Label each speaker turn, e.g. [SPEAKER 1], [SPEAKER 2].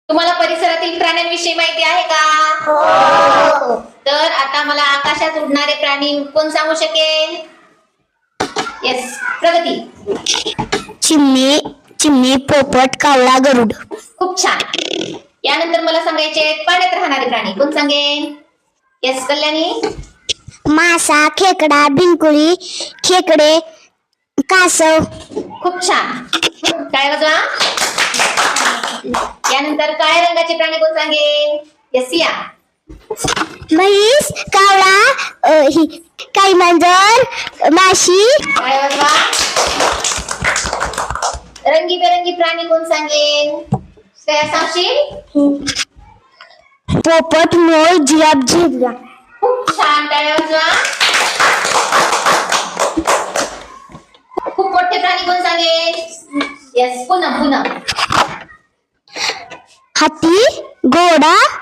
[SPEAKER 1] तुम्हाला परिसरातील प्राण्यांविषयी माहिती आहे का?
[SPEAKER 2] हो.
[SPEAKER 1] तर आता मला आकाशात उडणारे प्राणी कोण सांगू शकेल? येस, प्रगती.
[SPEAKER 2] चिमणी, चिमणी, पोपट, कावळा, गरुड.
[SPEAKER 1] खूप छान. यानंतर मला सांगायचे पाण्यात राहणारे प्राणी कोण सांगेल? येस, कल्याणी.
[SPEAKER 2] मासा, खेकडा, भिंकुळी, खेकडे, कासव.
[SPEAKER 1] खूप छान. टाळ्या वाजवा. यानंतर काळ्या रंगाचे प्राणी कोण सांगेल? येस, सिया.
[SPEAKER 2] म्हैस, कावळा, काही मांजर, माशी.
[SPEAKER 1] टाळ्या वाजवा. रंगीबेरंगी प्राणी कोण सांगेल? श्रेया, सांगशील?
[SPEAKER 2] पोपट, मोर, जिराफ, झेब्रा.
[SPEAKER 1] खूप छान. टाळ्या वाजवा. खूप मोठे प्राणी कोण सांगेल? येस, पूनम.
[SPEAKER 2] हाती, घोडा,